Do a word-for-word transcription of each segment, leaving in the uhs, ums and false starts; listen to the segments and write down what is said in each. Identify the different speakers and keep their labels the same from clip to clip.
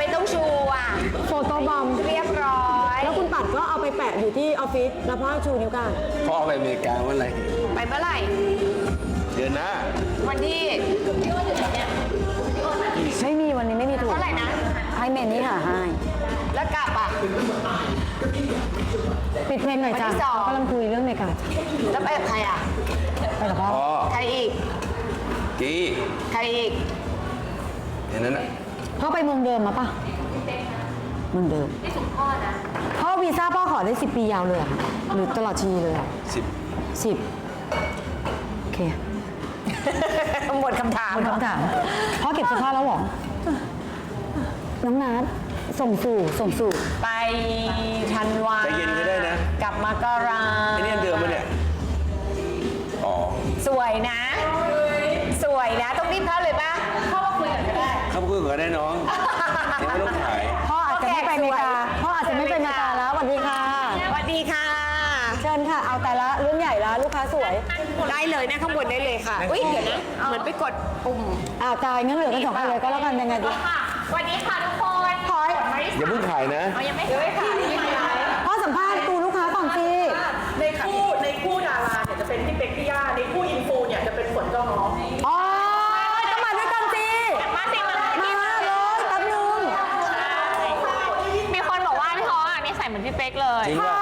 Speaker 1: ไม่ต้องชูอ่ะ
Speaker 2: โฟโต้บอม
Speaker 1: เรียบร้อย
Speaker 2: แล้วคุณปัดก็เอาไปแปะอยู่ที่ออฟฟิศแล้วพ่อชูนิ้วกลาง
Speaker 3: พ่อไปอเมริกาเมื่อไหร่
Speaker 1: ไปเมื่อไหร่
Speaker 3: เดือนหน้า
Speaker 1: วันที่
Speaker 2: ไม่มีวันนี้ไม่มีถูก
Speaker 1: เท่าไหร่นะ
Speaker 2: ให้เมนนี่หาให้
Speaker 1: แล้วกลับอ่ะ
Speaker 2: ปิดเพลงหน่อยจ้ะ
Speaker 1: วันที่สอง
Speaker 2: กำลังคุยเรื่องเมกา
Speaker 1: แล้วไปกับใครอ่ะ
Speaker 2: ไปกับพ่อ
Speaker 3: พ่อ
Speaker 1: ใครอีก
Speaker 3: กี้
Speaker 1: ใครอีก
Speaker 3: อย่างนั้นนะ
Speaker 2: พ่อไปเมืองเดิมมาปะเมืองเดิมนี่สุดพ่อนะพ่อวีซ่าพ่อขอได้สิบปียาวเลยเหรอคะหรือตลอดชีวิตเลยอ่ะ
Speaker 3: สิบ
Speaker 2: สิบโอเค
Speaker 1: หมดคำถาม
Speaker 2: หมดคำถามพ่อเก็บเสื้อผ้าแล้วเหรอน้องนัทส่งสู่ส่งสู่
Speaker 1: ไปธันวา
Speaker 3: ใจเย็นก็ได้นะ
Speaker 1: กลับมากรา
Speaker 3: ไอ้นี่อันเดิมปะเนี่ยอ๋อ
Speaker 1: สวยนะ สวยนะ ต้องรีบเข้าเลยป่ะเข้ามาคุยกันก็ได้
Speaker 3: เข้าไปคุยกับได้น้องยังไม่ต้องขาย
Speaker 2: พ่ออาจจะไม่ไปอเมริกาพ่ออาจจะไม่ไปอเมริกาแล้วสวัสดีค่ะ
Speaker 1: สวัสดีค่ะ
Speaker 2: เชิญค่ะเอาแต่ละเรื่องใหญ่ละลูกค้าสวย
Speaker 1: ได้เลยนะข้างบนได้เลยค่ะ อุ้ยเดี๋ยวนะ เหมือนไปกดปุ่ม
Speaker 2: อ้าวตายงั้นเหลือกันสองคนเลยก็แล้วกันยังไงดี
Speaker 1: ค่ะสวัสดีค่ะทุกคนพอย
Speaker 3: อย่าเพิ่งขายนะ
Speaker 1: ยังไม่ขายยังไม่ขาย
Speaker 2: พ่อสัมภาษณ์ตูลูกค้าก่อนสิ
Speaker 4: ในคู่ในคู่ดาราเนี่ยจะเป็นพี่เป็กพี่ย่าในคู่อินฟูเนี่ยจะเป็นฝนเจ้าน้อง
Speaker 2: อ๋อต้องมาด้วยกันสิ
Speaker 1: มาสิมา
Speaker 2: มาเลยแป๊บนึง
Speaker 1: มีคนบอกว่าพี่ท้ออ่ะนี่ใส่เหมือนพี่เป๊กเลย
Speaker 3: จริงป่ะ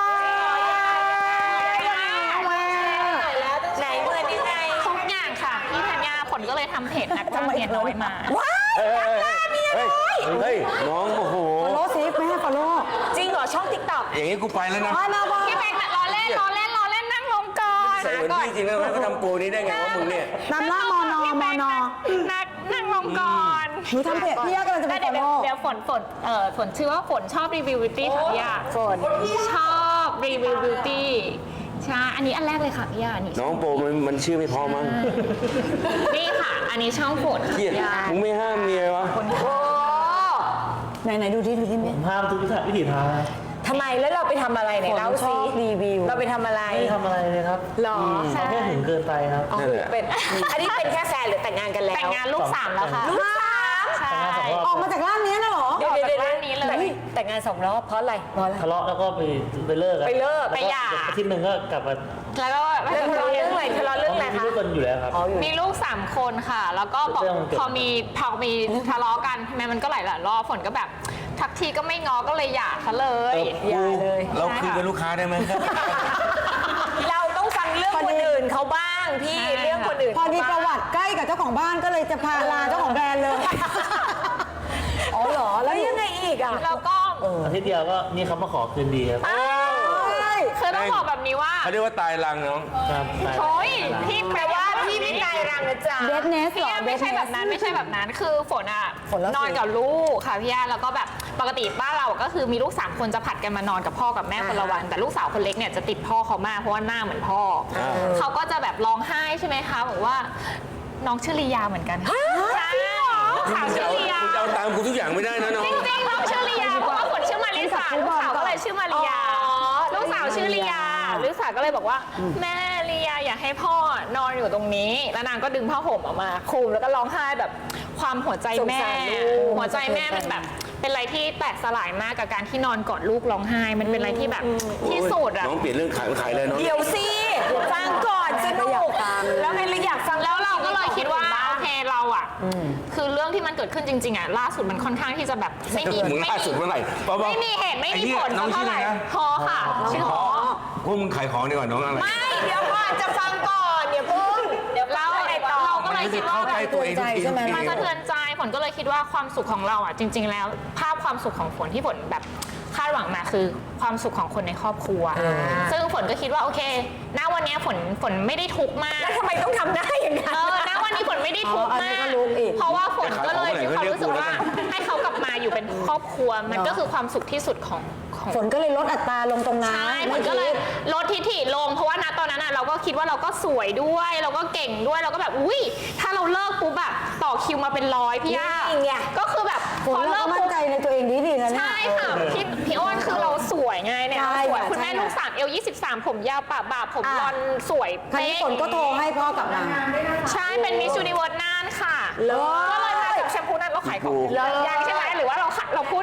Speaker 1: ไหนเมื่อนี้ไงทุกอย่างค่ะพี่ธัญญาผลก็เลยทำเพจนักจ้างเมียน้อยมา
Speaker 2: ว้าย
Speaker 3: เฮ้ยเฮ้ยเฮ้ยน้องโอ้โห
Speaker 2: ฟอลโล่สิไม่ให้ฟอลโล่
Speaker 1: จริงเหรอช่องติ๊กต็อก
Speaker 3: อย่างนี้กูไปแล้วนะ
Speaker 2: มามาบอล
Speaker 1: พี่เป๊กล้อเล่นล้อเล่นล้อเล่นนั่งลงก่อน
Speaker 3: ใส่เหมือนพี่จริงนะเขาทำโปรนี้ได้ไงวะมึงเนี่ย
Speaker 2: นำหน้ามอนอมอนอ
Speaker 1: นั่งนั่งลงก่อน
Speaker 2: หนูทำเพจพี่ย่ากำลังจะไป
Speaker 1: เดี๋ยว
Speaker 2: follow
Speaker 1: เดี๋ยวฝนฝนเอ่อฝนชื่อว่าฝนชอบรีวิวบิวตี้ค่ะพี่ยาฝนชอบรีวิวบิวตี้ใช่อันนี้อันแรกเลยค่ะพี่ยาอันนี้
Speaker 3: น้องโปรมันมันชื่อไม่พอมั้ง
Speaker 1: นี่ค่ะ อันนี้ช่องฝนค่ะ
Speaker 3: เกลียด
Speaker 1: พี่ยา
Speaker 3: มึงไม่ห้ามเมียวะ
Speaker 1: โอ้
Speaker 2: ไหนไหนดูที่ดูที่เมน
Speaker 4: ห้ามทุกวิถีทาง
Speaker 1: ทำไมแล้วเราไปทำอะไรเนี่ย
Speaker 2: ฝน
Speaker 1: เล่า
Speaker 2: ช
Speaker 1: สิ
Speaker 2: อบรีวิว
Speaker 1: เราไปทำอะไร
Speaker 4: ไม่ทำอะไรเลยครับ
Speaker 1: หรอ
Speaker 4: เขาแค่ถึงเกินไปครับ
Speaker 3: นั่นแหละ
Speaker 1: เป็นอันนี้เป็นแค่แฟนหรือแต่งงานกันแล้วแต่งงานลูกสามแล้วค่ะลูกสามใช่
Speaker 4: แต่งงานสองรอบ
Speaker 2: ออกมาจากร่างนี้นะเหรอ
Speaker 1: เดี๋ยวเดี๋ยวเดี๋ยวนี้เลยแต่งงานสองรอบเพราะอะไรเพราะอะไร
Speaker 4: ทะเลาะแล้วก็ไปไปเลิกอะ
Speaker 1: ไปเลิก
Speaker 4: แว
Speaker 1: ไปหย่า
Speaker 4: อาทิตย์หนึ่งก็กลับมา
Speaker 1: แล้วก็ทะเลาะเรื่องอะไรทะเลาะเรื่องอะไร
Speaker 4: มี
Speaker 1: คะ
Speaker 4: ลูกกันอยู่แล้วครับ
Speaker 1: มีลูกสามคนค่ะ แล้วก็บอก
Speaker 4: เรื่องมันเกิด
Speaker 1: พอมีพอมีทะเลาะกันใช่ไหมมันก็หลายหลายรอบฝนก็แบบทักทีก็ไม่ง้อก็เลยหย่าเขาเลย
Speaker 3: เออกูเราคืนเป็นลูกค้าได้ไหมครับ
Speaker 1: เราต้องฟังเรื่องคนอื่นเขาบ้างพี่เรื่องคนอื่น
Speaker 2: พอดีประวัติใกล้กับเจ้าของบ้านก็เลยจะพาลาเจ้าของแบรนด์เลย อ๋อเหรอ แล้วยังไงอีกอ่ะ
Speaker 1: แล้วก็
Speaker 4: อาทิตย์เดียวก็นี่เขามาขอคืนดีครับ
Speaker 1: คือต้องบอกแบบนี้ว่า
Speaker 3: เขาเรียกว่าตายรังน้อง
Speaker 4: ครับใช่
Speaker 1: โอ้ยพี่แปลว่าพี่ไม่ตายรังนะจ๊ะ
Speaker 2: เดทเนส
Speaker 1: พี่
Speaker 2: เหรอ
Speaker 1: ย่า
Speaker 2: เด
Speaker 1: ไม่
Speaker 2: ท
Speaker 1: ใช่
Speaker 2: เน
Speaker 1: แบ
Speaker 2: ส
Speaker 1: บนั้นไม่ใช่แบบนั้นคือฝนอ่ะ
Speaker 2: ฝนแล้วสิ
Speaker 1: นอนกับลูกค่ะพี่ย่าแล้วก็แบบปกติบ้านเราก็คือมีลูกสามคนจะผัดกันมานอนกับพ่อกับแม่คนละวัน แต่ลูกสาวคนเล็กเนี่ยจะติดพ่อเขามากเพราะว่าหน้าเหมือนพ่อเขาก็จะแบบร้องไห้ใช่ไหมคะบอกว่าน้องชื่อลียาเหมือนกันใช่ลูกสาว
Speaker 3: คุณจะ
Speaker 1: ชื่อ
Speaker 3: เอา
Speaker 1: ลียา
Speaker 3: คุณจะเอาตามกูทุกอย่างไม่ได้นะน้อง
Speaker 1: จริงๆน้องชื่อลียาเพราะว่าฝนชื่อมาริสาลูกสาวก็เลยชื่อมาริยาลูกสาวชื่อลียาลูกสาวก็เลยบอกว่าแม่ลียาอยากให้พ่อนอนอยู่ตรงนี้แล้วนางก็ดึงผ้าห่มออกมาคลุมแล้วก็ร้องไห้แบบความหัวใจแม่หัวใจแม่มันแบบเป็นอะไรที่แตกสลายมากกับการที่นอนกอดลูกร้องไห้มันเป็นอะไรที่แบบที่สุดอะ
Speaker 3: น้องเปลี่ยนเรื่องขายมาขายเลยน้อง
Speaker 1: เดี๋ยวสิฟังก่อนสนุกแล้วไงเลยอยากฟังแล้วเราก็เลยคิดว่าโอเคเราอะคือเรื่องที่มันเกิดขึ้นจริงๆอะล่าสุดมันค่อนข้างที่จะแบบไม่มี
Speaker 3: มึง
Speaker 1: ไม่
Speaker 3: ล่าสุดเมื่อไหร่เปล่าๆ
Speaker 1: ไม่มีเหตุไม่มีผล
Speaker 3: น้องชื่
Speaker 1: เท่า
Speaker 3: อ
Speaker 1: ไห
Speaker 3: อะไร
Speaker 1: ร่
Speaker 3: นะ
Speaker 1: ฮอค่ะชื่อฮอ
Speaker 3: พวกมึงขายของดีกว่าน้องอะไร
Speaker 1: ไม่เดี๋ยวก่อนจะฟังก่อนเดี๋ยวพึ่งเดี๋ยวเราเราก็เลยคิดว่า
Speaker 3: เข้าใกล้ตัวเองทุกทีทุกที
Speaker 1: มันสะเทือนใจฝนก็เลยคิดว่าความสุขของเราอ่ะจริง ๆ แล้ว ภาพความสุขของฝนที่ฝนแบบคาดหวังมาคือความสุขของคนในครอบครัว ซึ่งฝนก็คิดว่าโอเคณวันนี้ฝนฝนไม่ได้ทุกข์มากแล้วทำไมต้องทำได้อย่างนั้นเออณวันนี้ฝนไม่ได้ทุกข์มากเพราะว่าฝนก็เลยมีความรู้สึกว่าให้เขากลับมาอยู่เป็นครอบครัวมันก็คือความสุขที่สุดของของ
Speaker 2: ฝนก็เลยลดอัตราลงตรงนั้น
Speaker 1: ใช่มันก็เลยลดทิฐิลงเพราะว่าณตอนนั้นอ่ะเราก็คิดว่าเราก็สวยด้วยเราก็เก่งด้วยเราก็แบบอุ้ยถ้าเราเลิกปุ๊บแบบต่อคิวมาเป็นร้อยพี่ย่าก็คือแบบ
Speaker 2: ฝนเราก็มั่นใจในตัวเองดีดีๆนะเนี่ย
Speaker 1: ใช่ค่ะพี่พี่อ้นคือเราสวยไงเนี่ย
Speaker 2: ใช่
Speaker 1: เราสวย
Speaker 2: ค่ะ
Speaker 1: คุณแม่
Speaker 2: ใช่
Speaker 1: ลูกสามเอลยี่สิบสามผมยาวปะบ่าผม
Speaker 2: อ่ะ
Speaker 1: บลอนด์สวย
Speaker 2: คราวนี้ฝนก็โทรให้พ่อกลับมา
Speaker 1: ใช่เป็นมิส s ูนิเวิร์สน่านค่ะ
Speaker 2: เลิศ
Speaker 1: ก็เลยมาจากแชมพูนั้นเราขายของ
Speaker 3: เลิศ
Speaker 1: ยังใช่ไหมหรือว่าเราขายเราพูด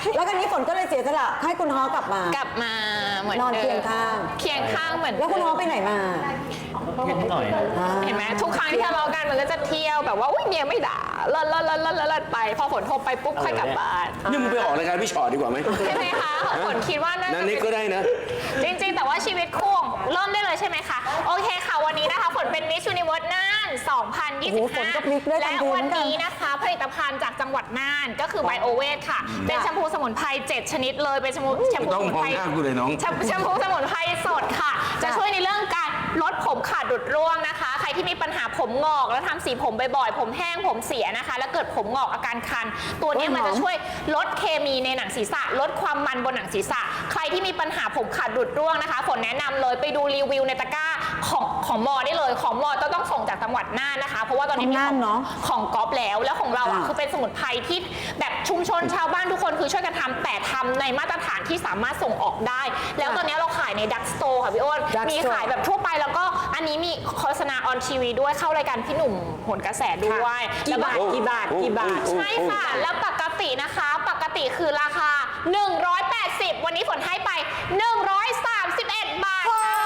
Speaker 2: แล้วกันนี้ฝนก็เลยเสียสละให้คุณฮอกลับมาก
Speaker 1: ลับมาเหมือน
Speaker 2: นอน
Speaker 1: ดิม
Speaker 2: เคียงข้าง
Speaker 1: เคียงข้างเหมือน
Speaker 2: แล้วคุณฮอไปไหนมา
Speaker 5: เย็นหน่อย
Speaker 2: อ่า
Speaker 1: เห็นไหมทุกครั้งที่ทะเลาะกันมันก็จะเที่ยวแบบว่าอุ้ยเมียไม่ด่าเลิศเลิศเลิศเลิศเลิศไป พอฝนโทรไปปุ๊บค่อยกลับบ้าน
Speaker 3: นี่มึงไปออกรายการพี่ชอตดีกว่าไหม
Speaker 1: ใช่ไหมคะฝนคิดว่าน่า
Speaker 3: นั่
Speaker 1: จะ
Speaker 3: นนี่ก็ได้นะ
Speaker 1: จริงๆ แต่ว่าชีวิตคู่เริ่มได้เลยใช่ไหมคะ โอเคค่ะวันนี้นะคะฝนเป็น Miss Universe น่าน สองพันยี่สิบ
Speaker 2: โอ้โหฝนก็พลิกได้
Speaker 1: ห้า
Speaker 2: ทั
Speaker 1: และ
Speaker 2: นทีเหมื
Speaker 1: วั
Speaker 2: อน นกัน
Speaker 1: นี้นะคะผลิตภัณฑ์จากจังหวัดน่านก็คือไบโอเวทค่ะ เป็นแชมพูสมุนไพรเจ็ดชนิดเลยเป็นแชมพูแชมพู
Speaker 3: ต้อ
Speaker 1: ส
Speaker 3: ง
Speaker 1: มุน
Speaker 3: มอง
Speaker 1: ไพร
Speaker 3: หน้ากูเลยน้อง
Speaker 1: แชมแชมพูสมุนไพรสดค่ะ จะช่วยในเรื่องการลดผมขาดดุดร่วงนะคะ ใครที่มีปัญหาผมงอกแล้วทำสีผมบ่อยๆ ผมแห้งผมเสียนะคะ แล้วเกิดผมงอกอาการคัน ตัวเนี้ยมันจะช่วยลดเคมีในหนังศีรษะ ลดความมันบนหนังศีรษะ ใครที่มีปัญหาผมขาดดุดร่วงนะคะฝนแนะนำเลยไปดูรีวิวในตะกร้าของของมอได้เลยของมอต้องต้องส่งจากจังหวัดน่านนะคะ เพราะว่าตอนนี้มี
Speaker 2: ของน่านเนอะ
Speaker 1: ของก๊อฟแล้วแล้วของเราอ่ะ
Speaker 2: อ่า
Speaker 1: คือเป็นสมุนไพรที่แบบชุมชนชาวบ้านทุกคนคือช่วยกันทำแต่ทำในมาตรฐานที่สามารถส่งออกได้ แล้วตอนนี้เราขายในดักสโตร์ค่ะพี่อ้น
Speaker 2: Dark
Speaker 1: มี
Speaker 2: Store
Speaker 1: ขายแบบทั่วไปแล้วก็อันนี้มีโฆษณาออนทีวีด้วยเข้ารายการพี่หนุ่มโหนกระแสด้วย
Speaker 2: กี่บาท
Speaker 1: แล้ว
Speaker 2: กี่บาทกี่บาท
Speaker 1: ใช่ค่ะ แล้วปกตินะคะ ปกติคือราคา หนึ่งร้อยแปดสิบ วันนี้ฝนให้ไป หนึ่งร้อยสามสิบเอ็ด บาทค่ะ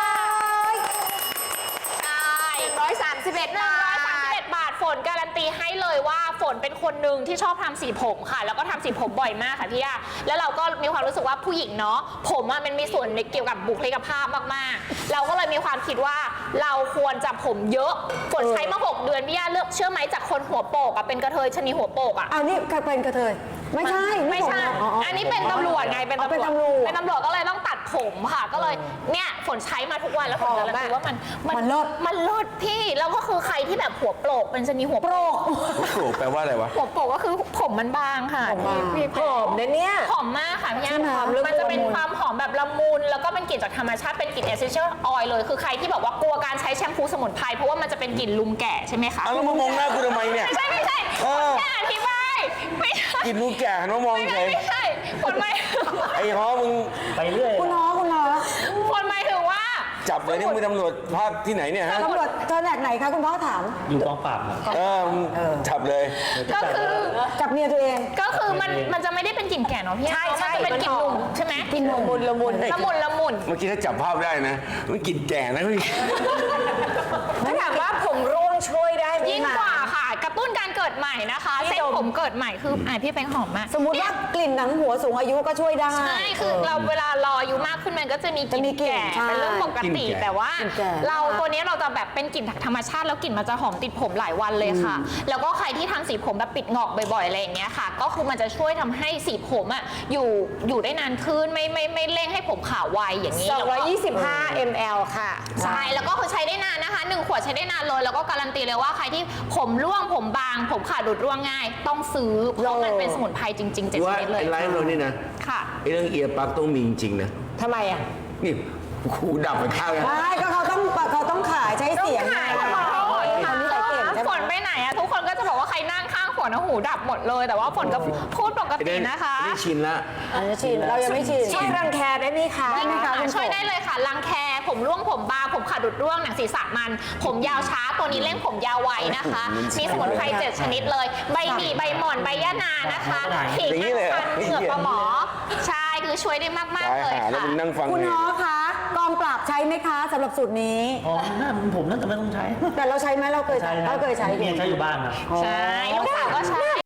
Speaker 1: ใช่
Speaker 2: หนึ่งร้อยสามสิบเอ็ด
Speaker 1: หนึ่งร้อยสามสิบเอ็ด บาทฝนการันตีให้เลยว่าฝนเป็นคนหนึ่งที่ชอบทำสีผมค่ะ แล้วก็ทำสีผมบ่อยมากค่ะพี่ย่าแล้วเราก็มีความรู้สึกว่าผู้หญิงเนาะผมอะมันมีส่วนในเกี่ยวกับบุคลิกภาพมากๆ เราก็เลยมีความคิดว่าเราควรจะผมเยอะฝนใช้มาหกเดือนพี่ย่าเลือกเชื่อไหมจากคนหัวโปกอะเป็นกระเทยชะนีหัวโปกอะ
Speaker 2: เอานี่เป็นกระเทยไม่ใช่
Speaker 1: ไม่ใช่
Speaker 2: ผม
Speaker 1: อันนี้เป็นตำรวจไง เป็น
Speaker 2: อ๋อเป็น
Speaker 1: ตำรวจ
Speaker 2: ตำรวจ
Speaker 1: เป็นตำรวจก็เลยต้องตัดผมค่ะ ก็เลย เนี่ย ฝนใช้มาทุกวันแล้วฝนการันตีว่ามัน
Speaker 2: มันเลิศ
Speaker 1: มันเลิศพี่ แล้วก็คือใครที่แบบหัวโปกเป็นชนีหัวโปก
Speaker 3: โอ้โหแปลว่าอะไรวะ
Speaker 1: หัวโปกก็คือผมมันบางค่ะ
Speaker 2: ผมบาง
Speaker 1: พี่
Speaker 2: หอมนะเนี่ย
Speaker 1: หอมมากค่ะพี่
Speaker 2: ใช่
Speaker 1: ย่า
Speaker 2: ไหม
Speaker 1: มันจะเป็นความหอมแบบละมุน แล้วก็เป็นกลิ่นจากธรรมชาติ เป็นกลิ่น essential oil เลย คือใครที่บอกว่ากลัวการใช้แชมพูสมุนไพร เพราะว่ามันจะเป็นกลิ่นลุงแก่ใช่ไหมคะ
Speaker 3: เอาแล้วมามองหน้ากูทำไมเนี่ย
Speaker 1: ไม่ใช่ไม่ใช่
Speaker 3: เออ
Speaker 1: แค่อธิบาย ไม่ใช่
Speaker 3: กินลูกแก่หันมามอง
Speaker 1: ไม่
Speaker 3: เฉ
Speaker 1: ใช่
Speaker 3: ย
Speaker 1: ไม่ใช่ฝนไม่
Speaker 3: ไอ้ฮอมึง
Speaker 5: ไปเรื่อย
Speaker 2: คุณฮอคุณฮอ
Speaker 1: ฝนหมายถึงว่า
Speaker 3: จับเลยนี่มึงเป็นตำรวจภาคที่ไหนเนี่ยฮะ
Speaker 2: ตำรวจเธอแหนกไหนคะคุณพ่อถาม
Speaker 5: อยู่กองปราบครับ
Speaker 3: เออมึงจับเลย
Speaker 1: ก็คือ
Speaker 2: จับเมียตัวเอง
Speaker 1: ก็คือมันมันจะไม่ได้เป็นกลิ่นแก่เนาะพี่ใช่ใช่มันจะเป็นกลิ่นหนุ่มใช่ไหม
Speaker 2: กินละมุนละมุน
Speaker 1: ละมุนละมุน
Speaker 3: เมื่อกี้ถ้าจับภาพได้นะ มันกลินแก่นะพี่
Speaker 2: ถ้าถามว่าผมร่วงช่วยได้ไหม
Speaker 1: ยิ่งกว่าค่ะ กระตุ้นการเกิดใหม่นะคะเส้นผมเกิดใหม่คืออ่ะพี่เป็นหอมมาก
Speaker 2: สมมติว่ากลิ่นหนังหัวสูงอายุก็ช่วยได้
Speaker 1: ใช่คือเราเวลารออายุมากขึ้นมันก็จะมีก
Speaker 2: จะมี
Speaker 1: ลิ่น
Speaker 2: กลิ่น
Speaker 1: แก่
Speaker 2: ใช่
Speaker 1: เป็นเรื่องปกติ
Speaker 3: กลิ่นแก่
Speaker 1: แต่ว่า
Speaker 2: กลิ่นแก่
Speaker 1: เราตัวนี้เราจะแบบเป็นกลิ่นธรรมชาติแล้วกลิ่นมันจะหอมติดผมหลายวันเลยค่ะ แล้วก็ใครที่ทำสีผมแบบปิดงอกบ่อยๆอะไรอย่างเงี้ยค่ะ ก็คือมันจะช่วยทำให้สีผมอ่ะอยู่อยู่ได้นานขึ้นไม่ไม่ไม่เร่งให้ผมขาวไวอย่างนี้
Speaker 2: สองร้อยยี่สิบห้า
Speaker 1: แล้วก็
Speaker 2: มล ค่ะ
Speaker 1: ใช่แล้วก็คือใช้ได้นานนะคะหนึ่งขวดใช้ได้นานเลยแล้วก็การันตีเลยว่าใครที่ผมร่วงผมบาง ผมขาดดุดร่วงง่าย ต้องซื้อเพราะมันเป็นสมุนไพรจริงๆเจ็ดช
Speaker 3: ว่า
Speaker 1: นิดเลย
Speaker 3: ไอ้ไลฟ์เรานี่นะ
Speaker 1: ค่ะ
Speaker 3: ไอ้เรื่องเอียร์ปลั๊กต้องมีจริงๆนะ
Speaker 2: ทำไมอ่ะ
Speaker 3: นี่หูดับไปข้างนะ
Speaker 2: ใช่ก็เขาต้องเขาต้องขายใช้เสียง
Speaker 1: ขาย
Speaker 2: ไง
Speaker 1: ขอโทษ
Speaker 2: คนนี้ใส่เก่งใช่ไห
Speaker 1: ฝ
Speaker 2: ม
Speaker 1: นไปไหนอะทุกคนก็จะบอกว่าใครนั่งข้างฝนนะหูดับหมดเลย แต่ว่าฝนก็พูดปก
Speaker 3: ไอ้
Speaker 1: ติ
Speaker 3: เรื่อง
Speaker 1: นะคะ
Speaker 3: ไอ้นี่ชินละ
Speaker 2: อันนี้ชินเรายังไม่ชินช่วยรังแคได้ไหมคะ
Speaker 1: ได้
Speaker 2: ไหมคะ
Speaker 1: ค่ะ
Speaker 2: คุณ
Speaker 1: ช่วย
Speaker 2: กบ
Speaker 1: ได้เลยค่ะรังแคผมร่วงผมบางผมขาดดุดร่วงหนังศีรษะมัน ผมยาวช้าตัวนี้เร่งผมยาวไวนะคะ มีสมุนไพรเจ็ดชนิดเลย ใบหมี่ใบหม่อนใบยะนานะคะขิง
Speaker 3: อย่างนี้เลยเหรอ
Speaker 1: อัญชันเหงือกปลาหมอใช่คือช่วยได้มาก
Speaker 3: ตาย
Speaker 1: ๆเลย
Speaker 3: หาแล้ว
Speaker 1: ค่ะ
Speaker 3: มึงนั่งฟัง
Speaker 2: คุณ
Speaker 3: เลย
Speaker 2: ฮอคะกองปราบใช้ไหมคะสำหรับสูตรนี้
Speaker 5: อ๋อหน้าผมน่าจะไม่ต้องใช้
Speaker 2: แต่เราใช้ไหมเราเคย
Speaker 5: ใช่
Speaker 2: เราเคยใช้
Speaker 5: เมียใช้อยู่บ้านครับ
Speaker 1: ใช่ลูกสาวก็ใช้